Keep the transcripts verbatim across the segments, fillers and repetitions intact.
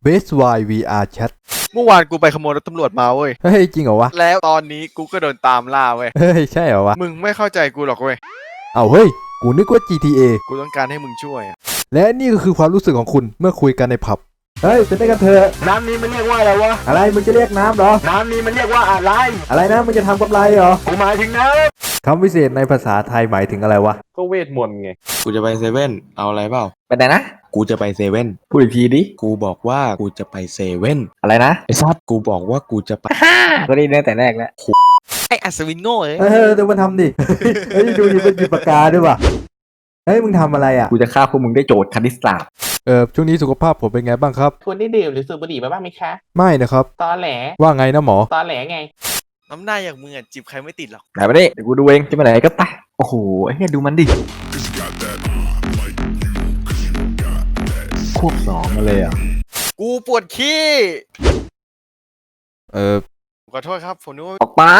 Best Why วี อาร์ Chat เมื่อวานกูไปขโมยรถตำรวจมาเว้ยเฮ้ยจริงเหรอวะแล้วตอนนี้กูก็โดนตามล่าเว้ยเฮ้ยใช่เหรอวะมึงไม่เข้าใจกูหรอกเว้ยเอาเฮ้ยกูนึกว่า จี ที เอกูต้องการให้มึงช่วยอะและนี่ก็คือความรู้สึกของคุณเมื่อคุยกันในผับเฮ้ยเป็นได้กันเถอะน้ำนี้มันเรียกว่าอะไรวะอะไรมึงจะเรียกน้ำเหรอน้ำนี้มันเรียกว่าอะไรอะไรนะมึงจะทำกำไรเหรอกูหมายถึงน้ำคำวิเศษในภาษาไทยหมายถึงอะไรวะก็เวทมนต์ไงกูจะไปเซเว่นเอาอะไรเปล่าไปไหนนะกูจะไปเซเว่นพูดอีกทีดิกูบอกว่ากูจะไปเซเว่นอะไรนะไอ้ซับกูบอกว่ากูจะไปก็ได้ตั้งแต่แรกแล้วไออัศวินโง่เอ้ยเออเดี๋ยวมาทำดิ เฮ้ยดูดิเป็นหยิบปากกาด้วยว่ะเฮ้ยมึงทำอะไรอ่ะกูจะฆ่าพวกมึงได้โจทย์คณิตศาสตร์เออช่วงนี้สุขภาพผมเป็นไงบ้างครับคุณได้ดื่มหรือสูบบุหรี่มาบ้างไหมคะไม่นะครับตอแหลว่าไงนะหมอตอแหลไงน้ำหน้าอย่างมึงอะจีบใครไม่ติดหรอกไหนมาดิเดี๋ยวกูดูเองจะไปไหนก็ไปโอ้โหไอ้เหี้ยดูมันดิควบสองมาเลยอ่ะกูปวดขี้เออขอโทษครับผมนึกว่าออกไป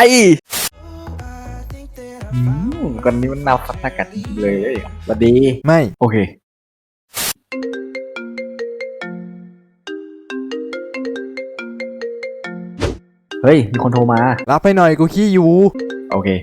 อืมคนนี้มันนาฟัตกัดเลยสวัสดีไม่โอเค เฮ้ย มีคนโทรมารับให้หน่อยกูขี้อยู่โอเค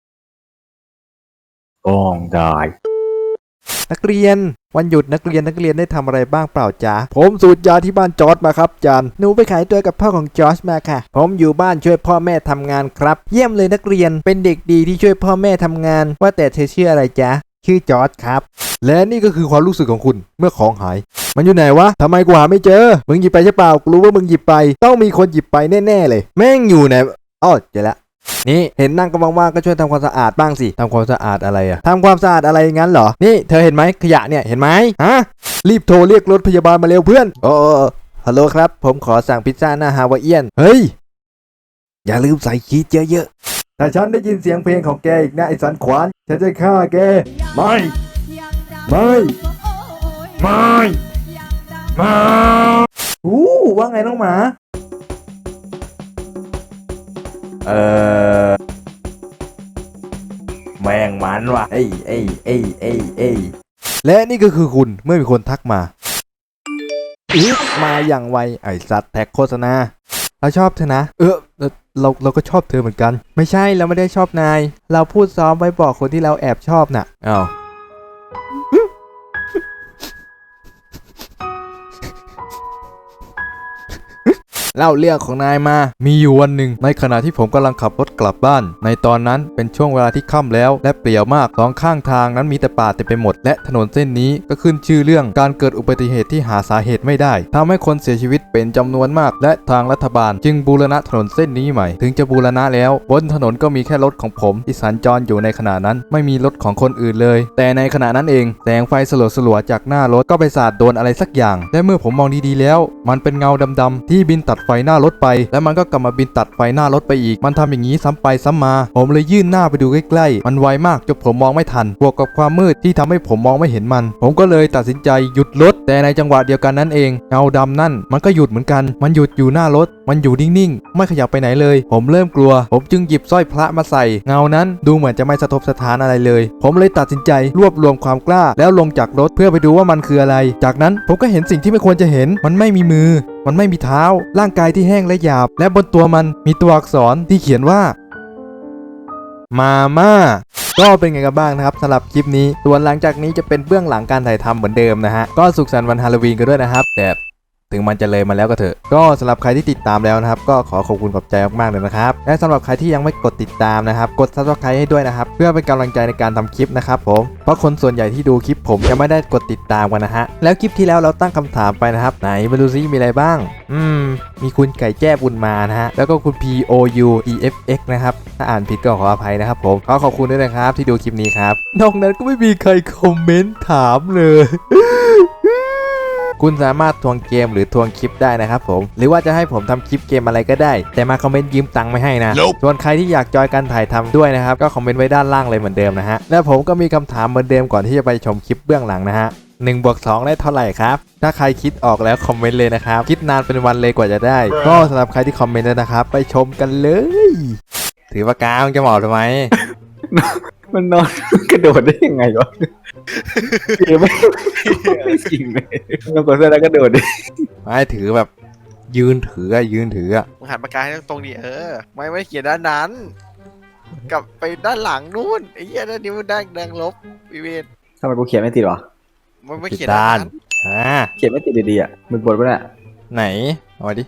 ต้องได้นักเรียนวันหยุดนักเรียนนักเรียนได้ทำอะไรบ้างเปล่าจ๊ะผมสูตรยาที่บ้านจอร์จมาครับจันหนูไปขายตัวกับพ่อของจอร์จมาค่ะ ผมอยู่บ้านช่วยพ่อแม่ทำงานครับ เยี่ยมเลยนักเรียนเป็นเด็กดีที่ช่วยพ่อแม่ทำงาน ว่าแต่เธอชื่ออะไรจ๊ะชื่อจอร์จครับและนี่ก็คือความรู้สึกของคุณเมื่อของหาย มันอยู่ไหนวะทำไมกูหาไม่เจอมึงหยิบไปใช่เปล่ากูรู้ว่ามึงหยิบไปต้องมีคนหยิบไปแน่ๆเลยแม่งอยู่ไหนอ้อเจอละนี่เห็นนั่งก็ว่างๆก็ช่วยทำความสะอาดบ้างสิทำความสะอาดอะไรอะทำความสะอาดอะไรงั้นเหรอนี่เธอเห็นไหมขยะเนี่ยเห็นไหมฮะรีบโทรเรียกรถพยาบาลมาเร็วเพื่อนโอ้ฮัลโหลครับผมขอสั่งพิซซ่าหน้าฮาวายเอียนเฮ้ยอย่าลืมใส่ชีสเยอะๆถ้าฉันได้ยินเสียงเพลงของแกอีกนะไอ้สันขวานฉันจะฆ่าแกไม่ไม่ไม่ไม่อู้ว่าไงน้องหมาเออแม่งมันว่ะเอ้ยเอ้ยเอ้ยเอ้ยเอ้ยและนี่ก็คือคุณเมื่อมีคนทักมาอีกมาอย่างไวไอ้สัตว์แท็กโฆษณาเราชอบเธอนะเออเราเราก็ชอบเธอเหมือนกันไม่ใช่เราไม่ได้ชอบนายเราพูดซ้อมไว้บอกคนที่เราแอบชอบน่ะอ้าวเล่าเรื่องของนายมา มีอยู่วันหนึ่งในขณะที่ผมกำลังขับรถกลับบ้าน ในตอนนั้นเป็นช่วงเวลาที่ค่ำแล้วและเปลี่ยวมากสองข้างทางนั้นมีแต่ป่าเต็มไปหมดและถนนเส้นนี้ก็ขึ้นชื่อเรื่องการเกิดอุบัติเหตุที่หาสาเหตุไม่ได้ทำให้คนเสียชีวิตเป็นจำนวนมากและทางรัฐบาลจึงบูรณะถนนเส้นนี้ใหม่ถึงจะบูรณะแล้วบนถนนก็มีแค่รถของผมที่สัญจรอยู่ในขณะนั้นไม่มีรถของคนอื่นเลยแต่ในขณะนั้นเองแสงไฟสลัวๆจากหน้ารถก็ไปสาดโดนอะไรสักอย่างและเมื่อผมมองดีๆแล้วมันเป็นเงาดำๆที่บินตัดไฟหน้ารถไปแล้วมันก็กลับมาบินตัดไฟหน้ารถไปอีกมันทำอย่างนี้ซ้ำไปซ้ำมาผมเลยยื่นหน้าไปดูใกล้ๆมันไวมากจนผมมองไม่ทันบวกกับความมืดที่ทำให้ผมมองไม่เห็นมันผมก็เลยตัดสินใจหยุดรถแต่ในจังหวะเดียวกันนั้นเองเงาดำนั่นมันก็หยุดเหมือนกันมันหยุดอยู่หน้ารถมันอยู่นิ่งๆไม่ขยับไปไหนเลยผมเริ่มกลัวผมจึงหยิบสร้อยพระมาใส่เงานั้นดูเหมือนจะไม่สะทกสะท้านอะไรเลยผมเลยตัดสินใจรวบรวมความกล้าแล้วลงจากรถเพื่อไปดูว่ามันคืออะไรจากนั้นผมก็เห็นสิ่งที่ไม่ควรจะเห็นมันไม่มีมือมันไม่มีเท้าร่างกายที่แห้งและหยาบและบนตัวมันมีตัวอักษรที่เขียนว่ามาม่าก็เป็นไงกันบ้างนะครับสำหรับคลิปนี้ส่วนหลังจากนี้จะเป็นเบื้องหลังการถ่ายทำเหมือนเดิมนะฮะก็สุขสันต์วันฮาโลวีนกันด้วยนะครับแต่ถึงมันจะเลยมาแล้วก็เถอะก็สำหรับใครที่ติดตามแล้วนะครับก็ขอขอบคุณขอบใจมากๆเลยนะครับและสำหรับใครที่ยังไม่กดติดตามนะครับกด ซับสไครบ์ ให้ด้วยนะครับเพื่อเป็นกำลังใจในการทำคลิปนะครับผมเพราะคนส่วนใหญ่ที่ดูคลิปผมจะไม่ได้กดติดตามกันนะฮะแล้วคลิปที่แล้วเราตั้งคำถามไปนะครับไหนมาดูซิมีอะไรบ้างอืมมีคุณไก่แจ้บุญมานะฮะแล้วก็คุณ พี โอ ยู อี เอฟ เอ็กซ์ นะครับถ้าอ่านผิดก็ขออภัยนะครับผมขอขอบคุณด้วยนะครับที่ดูคลิปนี้ครับนอกนั้นก็ไม่มีใครคอมเมนต์ถามเลยคุณสามารถทวงเกมหรือทวงคลิปได้นะครับผมหรือว่าจะให้ผมทำคลิปเกมอะไรก็ได้แต่มาคอมเมนต์ยืมตังค์ไม่ให้นะ nope. ส่วนใครที่อยากจอยการถ่ายทำด้วยนะครับก็คอมเมนต์ไว้ด้านล่างเลยเหมือนเดิมนะฮะและผมก็มีคำถามเหมือนเดิมก่อนที่จะไปชมคลิปเบื้องหลังนะฮะหนึ่งบวกสองได้เท่าไหร่ครับถ้าใครคิดออกแล้วคอมเมนต์เลยนะครับคิดนานเป็นวันเลยกว่าจะได้ก็สำหรับใครที่คอมเมนต์แล้วนะครับไปชมกันเลยถือปากกาจะหมอบทำไมมันนอน กระโดดได้ยังไงวะเกมไม่ไม่จริงเลยมันกดเสื้อแล้วกระโดดดิไม่ถือแบบยืนถืออะยืนถืออะมึงหันปากกาให้ตรงๆดิเออ ไม่ไม่เขียนด้านนั้น กลับไปด้านหลังนู่นไอ้เหี้ยด้านนี้มันด้านแดงลบวิเวนทำไมกูเขียนไม่ติดวะมันไม่ผิดเขียนด้าด้าน นนั้นอ่าเขียนไม่ติดดีๆอ่ะมึงบดปะเนี่ยไหนเอามาดิ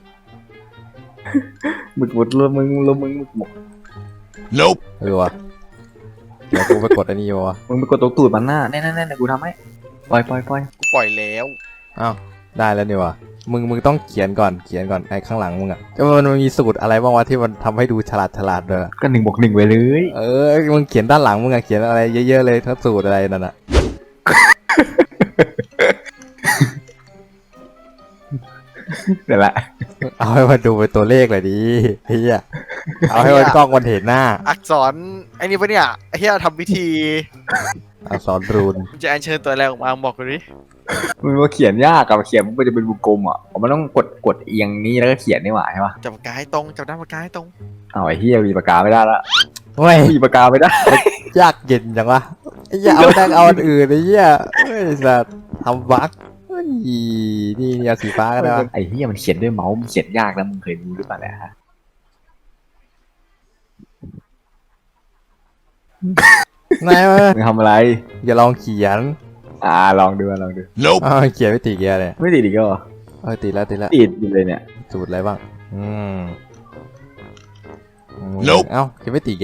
มึงบดรู้มึงรู้มึงมึงมึง nope เออวะเดี๋ยวกูไปกดอันนี้วะมึงไปกดตรงตูดมันหน้าแน่ๆๆกูทำให้ปล่อยปล่อยปล่อยกูปล่อยแล้วอ้าวได้แล้วนี่วะมึงมึงต้องเขียนก่อนเขียนก่อนไอ้ข้างหลังมึงอะก็มันมันมีสูตรอะไรบ้างวะที่มันทำให้ดูฉลาดฉลาดเลยอะก็หนึ่งบวกหนึ่งไปเลยเออมึงเขียนด้านหลังมึงอะเขียนอะไรเยอะๆเลยทั้งสูตรอะไรนั่นอะเดี๋ยวละเอาให้มันดูเป็นตัวเลขเลยดิเฮียเอาให้มันกล้องมันเห็นหน้าอักษรไอ้นี่ปะเนี่ยไอ้เหี้ยทำพิธีอักษรรูนมึงจะอัญเชิญตัวอะไรออกมาบอกกูดิมึงว่าเขียนยากกับเขียนมันจะเป็นวงกลมอ่ะมันต้องกดกดเอียงนี้แล้วก็เขียนนี่หว่าใช่ปะจับปากกาให้ตรงจับด้านปากกาให้ตรงเอาไอ้เฮียมีปากกาไม่ได้ละเว้ยมีปากกาไม่ได้ยากเย็นจังวะไอ้เหี้ยเอาดังเอาอันอื่นไอ้เหี้ยเฮ้ยสัตว์ทำบั๊กเฮ้ยนี่นี่เอาสีฟ้าก็ได้วะไอ้เฮียมันเขียนด้วยเมาส์มันเขียนยากแล้วมึงเคยดูหรือเปล่าเนี่ยฮะไหนวะมึงทำอะไรอย่าลองเขียนอ่าลองดูลองดู nope อ้าวเขียนไม่ติดแกเลยไม่ติดอีกเหรอเออติดแล้วติดแล้วติดอยู่เลยเนี่ยสูตรอะไรบ้างอืมอืม Nope เอ้าเขียนไม่ติดแก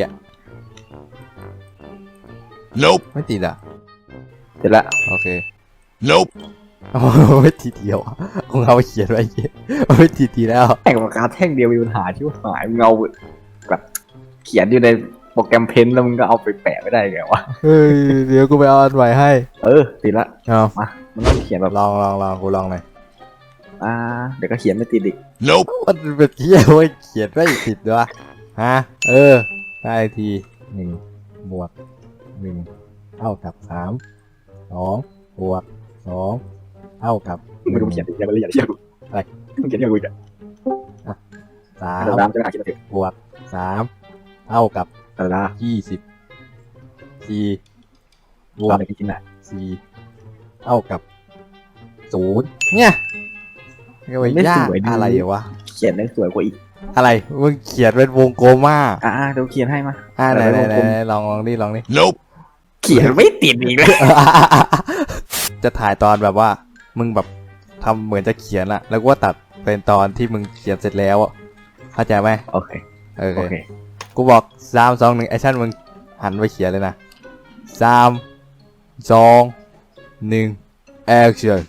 nope ไม่ติดอ่ะเสร็จละโอเค nope โอ้ไม่ทีเดียวคงเอาไปเขียนไว้เหี้ยเอาไม่ทีทีแล้วแต่งปากกาแท่งเดียวมีปัญหาที่ว่าหายมึงเอาแบบเขียนอยู่ในโปรแกรมเพนแล้วมึงก็เอาไปแปะไม่ได้ไงวะเฮ้ยเดี๋ยวกูไปเอาอันใหม่ให้เออติดละเอามามันต้องเขียนแบบลองลองลองกูลองหน่อยอ่าเดี๋ยวก็เขียนไม่ติดอีก nope มันเป็นเที่ยเว้ยเขียนไม่ติดวะฮะเออได้ทีหนึ่งบวกหนึ่งเท่ากับสามสองบวกสองเท่ากับมึงต้องเขียนติดยังไม่ละเอียดเชื่อกูอะไรมึงเขียนยังไงกูจะสามตามจะหาเขียนติดบวกสามเท่ากับตาลายี่สิบสี่บวตาก มไปกินอ่ะสี่เท่ากับศูนย์เนี่ยก็ไม่ยากอะไรวะเขียนได้สวยกว่าอีกอะไรมึงเขียนเป็นวงกลมมากอ่าเดี๋ยวเขียนให้มาอ่าไหนแต่ไหนเป็นวงกลมไหนลองลองดิลองดิ nope เขียนไม่ติดอีกเลยจะถ่ายตอนแบบว่า มึงแบบทำเหมือนจะเขียนอะแล้วก็ตัดเป็นตอนที่มึงเขียนเสร็จแล้วอะเข้าใจไหมโอเคโอโอเคเคกูบอกสามสองหนึ่งแอคชั่นมึงหันไปเขียนเลยนะสามสองหนึ่งแอคชั่น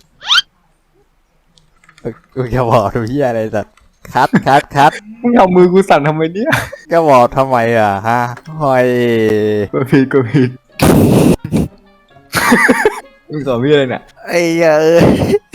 กูจะบอกทุกที่อะไรสัตว์คัดคัดคัดมึงเอามือกูสั่นทำไมเนี่ยก็บอกทำไมอ่ะฮะหอยกูผิดกูผิดมึงสอนพี่อะไรเนี่ยไอ้เหี้ยเอ้ย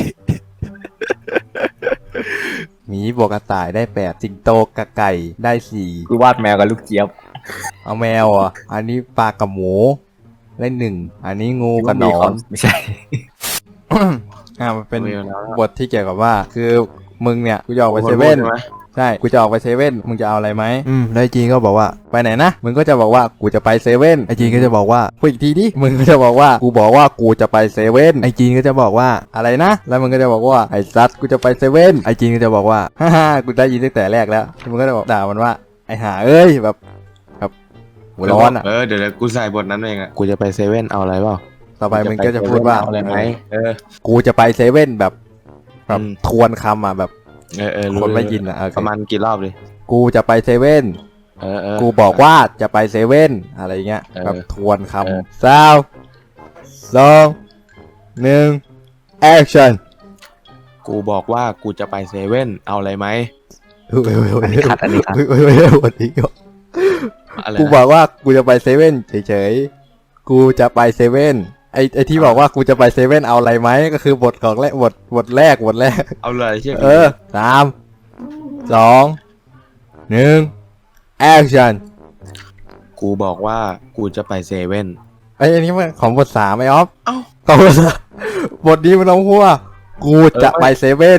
หมีบวกกระต่ายได้แปดสิงโตกับไก่ได้สี่กูวาดแมวกับลูกเจี๊ยบเอาแมวอ่ะอันนี้ปลากับหมูได้หนึ่งอันนี้งูกับหนอนไม่ใช่อ่ามันเป็นมีแล้วนะบทที่เกี่ยวกับว่า คือมึงเนี่ยกูจะออกไปเซเว่นใช่ไหมใช่กูจะออกไปเซเว่นมึงจะเอาอะไรไหมอืมแล้วไอ้จีนก็บอกว่าไปไหนนะมึงก็จะบอกว่ากูจะไปเซเว่นไอ้จีนก็จะบอกว่าพูดอีกทีดิมึงก็จะบอกว่ากูบอกว่ากูจะไปเซเว่นไอ้จีนก็จะบอกว่าอะไรนะแล้วมึงก็จะบอกว่าไอ้ซัดกูจะไปเซเว่นไอ้จีนก็จะบอกว่าฮ่าฮ่ากูได้ยินตั้งแต่แรกแล้วมึงก็จะบอกด่ามันว่าไอ้ห่าเอ้ยแบบแบบหัวร้อนอ่ะเออเดี๋ยวเดี๋ยวกูใส่บทนั้นเองอ่ะกูจะไปเซเว่นเอาอะไรเปล่าต่อไปมึงก็จะพูดว่าเอาอะไรไหมเออกูจะไปเซเว่นแบบแบบอืมทวนคำอ่ะแบบเออเออรู้คนไม่ยินอ่ะโอเคประมาณกี่รอบดิกูจะไปเซเว่นเออเออกูบอกว่าจะไปเซเว่นอะไรเงี้ยเออแบบทวนคเออำสามสองหนึ่งแอคชั่นกูบอกว่ากูจะไปเซเว่นเอาอะไรไหมเฮ้ยเฮ้ยเฮ้ยอันนี้ขัดอันนี้ขัดเฮ้ยเฮ้ยเฮ้ยเฮ้ยวันนี้ก็อะไรกูนะบอกว่ากูจะไปเซเว่นเฉยๆกูจะไปเซเว่นไอไอที่บอกว่ากูจะไปเซเว่นเอาอะไรไหมก็คือบทของแรกบทบทแรกบทแรกเอาเลยเชื่อเออสามสองหนึ่งแอคชั่นกูบอกว่ากูจะไปเซเว่นไอ้ยอันนี้มันของบทสามไอออฟเอ้าของบทสามบทนี้มันต้องพูดว่ากูจะไปเซเว่น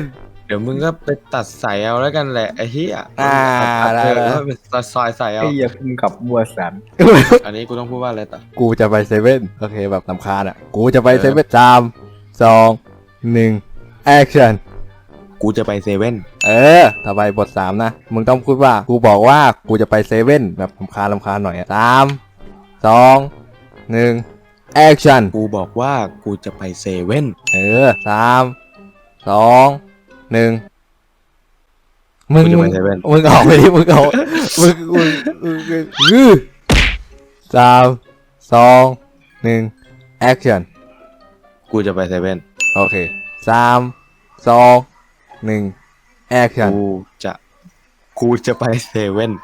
เดี๋ยวมึงก็ไปตัดใส่เอาแล้วกันแหละไอ้เหี้ยอ่าตัดได้เธอได้แล้วไปตัดซอยใส่เอาไอ้เหี้ยพุ่งกับบัวสันอันนี้กูต้องพูดว่าอะไรต่อกูจะไปเซเว่นโอเคแบบลำคาญอ่ะ กูจะไปเออเซเว่นสามสองหนึ่งแอคชั่นกูจะไปเซเว่นเออถ้าไปบทสามนะ มึงต้องพูดว่า กูบอกว่ากูจะไปเซเว่นแบบลำคาญลำคาญหน่อยอะสามสองหนึ่งแอคชั่นกูบอกว่ากูจะไปเซเว่นเออสามสองหนึ่งมึกูงจะไปเซเว่นมึงออกไปดิมึงออกมึงมึงมึงมึงยื้อสามสองหนึ่งแอคชั่นกูจะไปเซเว่นโอเคสามสองหนึ่งแอคชั่นกูจะกูจะไปเซเว่น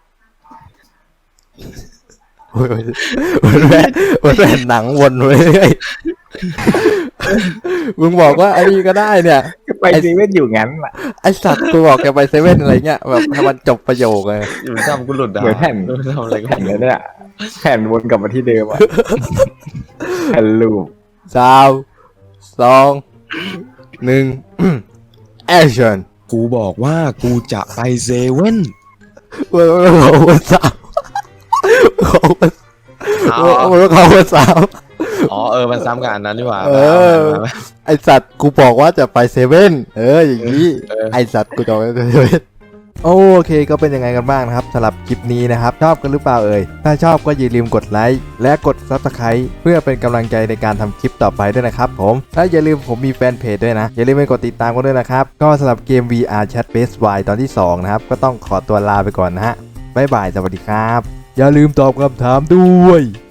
โอ้ยมันแม่มันแม่หนังวนไปเรื่อยมึงบอกว่าไอ้นี่ก็ได้เนี่ยก็ไปเซเว่นอยู่งั้นแหละไอสัตว์กูบอกแกไปเซเว่นอะไรเงี้ยแบบให้มันจบประโยคเลยอยู่ทำกูหลุดอ่ะเหมือนแผ่นทำอะไรก็แผ่นไม่แล้วรู้เนี่ยแผ่นวนกลับมาที่เดิมอะแผ่นลูปสามสองหนึ่งแอคชั่นกูบอกว่ากูจะไปเซเว่นมึงเขาวันสามเขาวันอ๋อมึงเขาวันสามอ๋อเออมันซ้ำกับอันนั้นดีกว่าเออมามาไอสัตว์กูบอกว่าจะไปเซเว่นเอออย่างนี้เออไอสัตว์กูจะไปเซเว่นโอเคก็เป็นยังไงกันบ้างนะครับสำหรับคลิปนี้นะครับชอบกันหรือเปล่าเอ่ยถ้าชอบก็อย่าลืมกดไลค์และกด ซับสไครบ์ เพื่อเป็นกำลังใจในการทำคลิปต่อไปด้วยนะครับผมและอย่าลืมผมมีแฟนเพจด้วยนะอย่าลืมไปกดติดตามกันด้วยนะครับก็สำหรับเกม วี อาร์ Chat Base Y ตอนที่สองนะครับก็ต้องขอตัวลาไปก่อนนะฮะบ๊ายบายสวัสดีครับอย่าลืมตอบคำถามด้วย